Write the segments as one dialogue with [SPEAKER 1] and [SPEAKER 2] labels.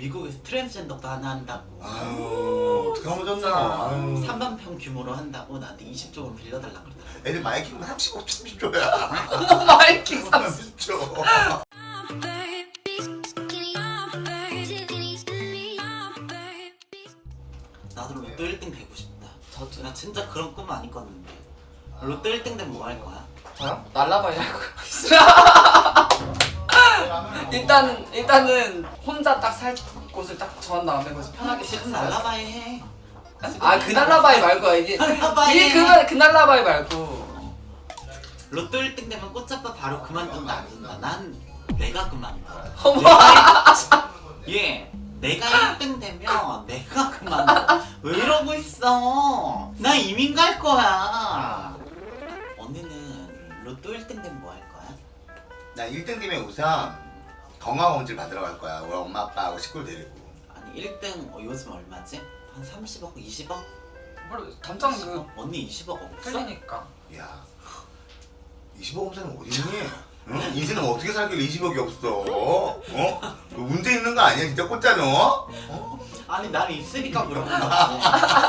[SPEAKER 1] 미국에서 트랜스젠더도 하나 한다고.
[SPEAKER 2] 아유 어떡하면 좋나.
[SPEAKER 1] 3만 평 규모로 한다고 나한테 20조원 빌려달라 그러더라.
[SPEAKER 2] 애들 마이킹 30조야.
[SPEAKER 3] 마이킹 30.
[SPEAKER 2] 30조.
[SPEAKER 1] 나도 로또 1등 되고 싶다.
[SPEAKER 3] 저도.
[SPEAKER 1] 나 진짜 그런 꿈 안 꿨는데. 로또 1등 되면 뭐 할 거야?
[SPEAKER 3] 저요? 날라봐야 할 거예요. 일단은 혼자 딱 살 곳을 딱 정한 다음에 거기서 편하게
[SPEAKER 1] 지금
[SPEAKER 3] 살아요.
[SPEAKER 1] 날라바이 해.
[SPEAKER 3] 아, 그 날라바이 말고 이게 그 날라바이 말고.
[SPEAKER 1] 로또 1등 되면 꽃잡아 바로 그만둔다 안 둔다. 난 내가 그만둬.
[SPEAKER 3] 어머.
[SPEAKER 1] 예, 내가 1등 되면 내가 그만둬. 왜 이러고 있어? 나 이민 갈 거야. 언니는 로또 1등 되면 뭐 할 거야?
[SPEAKER 2] 나 1등 되면 우선 건강검진 받으러 갈 거야. 우리 엄마 아빠하고 식구를 데리고.
[SPEAKER 1] 아니 1등 요즘 얼마지? 한 30억, 20억?
[SPEAKER 3] 뭘 당장 그
[SPEAKER 1] 언니 20억 없어?
[SPEAKER 3] 틀리니까.
[SPEAKER 2] 야 20억 없으면 어디 있니? 응? 인생은 어떻게 살길래 20억이 없어? 어? 너 문제 있는 거 아니야? 진짜 꽂잖아? 어?
[SPEAKER 1] 아니 난 있으니까 물어본 거지.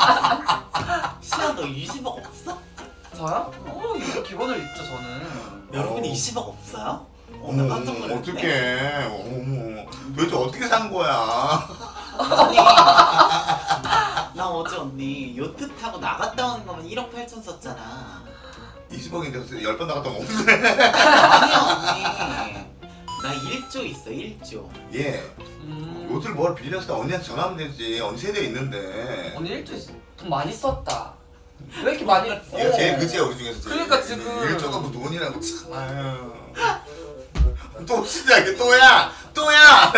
[SPEAKER 1] 시아 너 20억 없어?
[SPEAKER 3] 저요? 이거 기본으로 있죠 저는.
[SPEAKER 1] 여러분
[SPEAKER 2] 어.
[SPEAKER 1] 20억 없어요? 나 깜짝 놀랐네.
[SPEAKER 2] 어떡해. 어머. 도대체 어떻게 산 거야?
[SPEAKER 1] 아니 나 어제 언니 요트 타고 나갔다 오는 거면 1억 8천 썼잖아.
[SPEAKER 2] 20억인데 10번 나갔다 온 거 없네.
[SPEAKER 1] 아니야 언니 나 1조 있어 1조.
[SPEAKER 2] 예. 옷을 뭘 빌렸어? 언니한테 전화하면 되지. 언니 세대에 있는데.
[SPEAKER 3] 오늘 일주일 돈 많이 썼다. 왜 이렇게 많이?
[SPEAKER 2] 얘가 제일 그지야 우리 중에서 제일.
[SPEAKER 3] 그러니까 지금.
[SPEAKER 2] 일조가 뭐 돈이라고 참. 아유. 또 시작해 또야. 또야.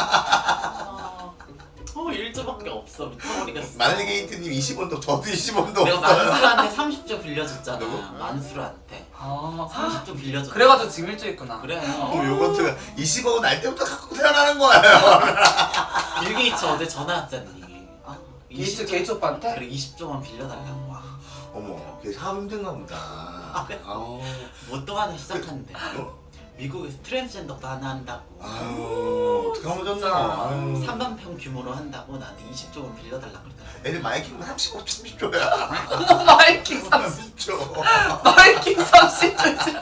[SPEAKER 1] 1조밖에 없어 미쳐버리겠어.
[SPEAKER 2] 마늘게이트님 20원도 저도 20원도
[SPEAKER 1] 내가
[SPEAKER 2] 없어요.
[SPEAKER 1] 만수르한테 30조 빌려줬잖아.
[SPEAKER 2] 누구?
[SPEAKER 1] 만수르한테
[SPEAKER 3] 아,
[SPEAKER 1] 30조 빌려줬.
[SPEAKER 3] 그래가지고 지금 일주일 있구나.
[SPEAKER 1] 그래.
[SPEAKER 2] 그럼 요거트가 20억은 날 때부터 갖고 태어나는 거예요.
[SPEAKER 1] 빌게이츠 어제 전화 왔잖니.
[SPEAKER 3] 게이츠 오빠한테?
[SPEAKER 1] 그래 20조만 빌려달라고. 와.
[SPEAKER 2] 어머, 걔 사업 힘든가 보다. 아우.
[SPEAKER 1] 뭐 또 하나 시작한대.
[SPEAKER 2] 어?
[SPEAKER 1] 미국에서 트랜스젠더도 하나 한다고.
[SPEAKER 2] 아유, 어떡하면 좋나.
[SPEAKER 1] 3만 평 규모로 한다고 나한테 20조원 빌려달라 그러더라.
[SPEAKER 2] 애들 마이킹 30조야.
[SPEAKER 3] 마이킹 30조. 마이킹 30조.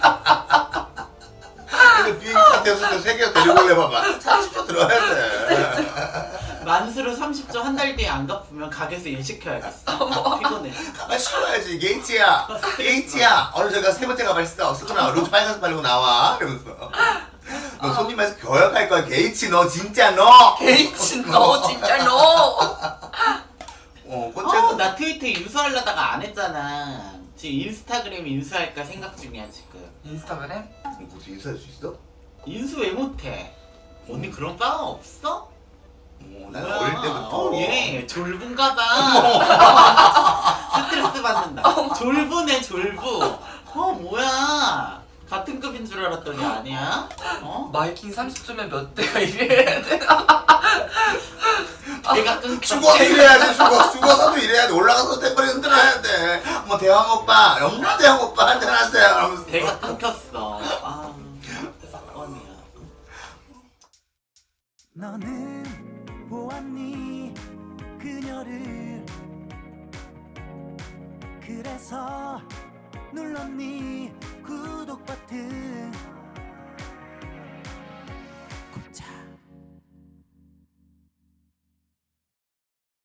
[SPEAKER 2] 애들 비행기 타태에서 세계에서 데리고 올래 봐봐. 30조 들어야 돼.
[SPEAKER 1] 만수르 30조 한 달 뒤에 안 갚으면 가게에서 일 시켜야겠어. 피곤해.
[SPEAKER 2] 가만 쉬어야지. 게이츠야. 게이츠야. 오늘 저희가 세 번째 가발했어. 쓰구나. 루즈 빨간색 바르고 나와. 이러면서. 너 손님 말씀 교역할 거야. 게이츠 너 진짜 너.
[SPEAKER 3] 게이츠 너 진짜 너.
[SPEAKER 1] 나 트위터 인수하려다가 안 했잖아. 지금 인스타그램 인수할까 생각 중이야 지금.
[SPEAKER 3] 인스타그램?
[SPEAKER 2] 혹시 인사할 수 있어?
[SPEAKER 1] 인수 왜 못해? 언니 그런 빵 없어?
[SPEAKER 2] 난 어릴 때부터.
[SPEAKER 1] 예, 졸분가봐. 스트레스 받는다. 졸부네 졸부. 뭐야? 같은 급인 줄 알았더니 아니야?
[SPEAKER 3] 마이킹 30조면 몇 대가 일해야 되나?
[SPEAKER 1] 내가 끊겨.
[SPEAKER 2] 죽어도 이래야지. 죽어서도 이래야 돼. 올라가서 템퍼리 흔들어야 돼. 뭐 대왕 오빠, 영라 대왕 오빠 한잔 하세요. 하면서.
[SPEAKER 1] 배가 끊겼어. 사건이야.
[SPEAKER 4] 너는 보았니 그녀를 그래서 눌렀니 구독 버튼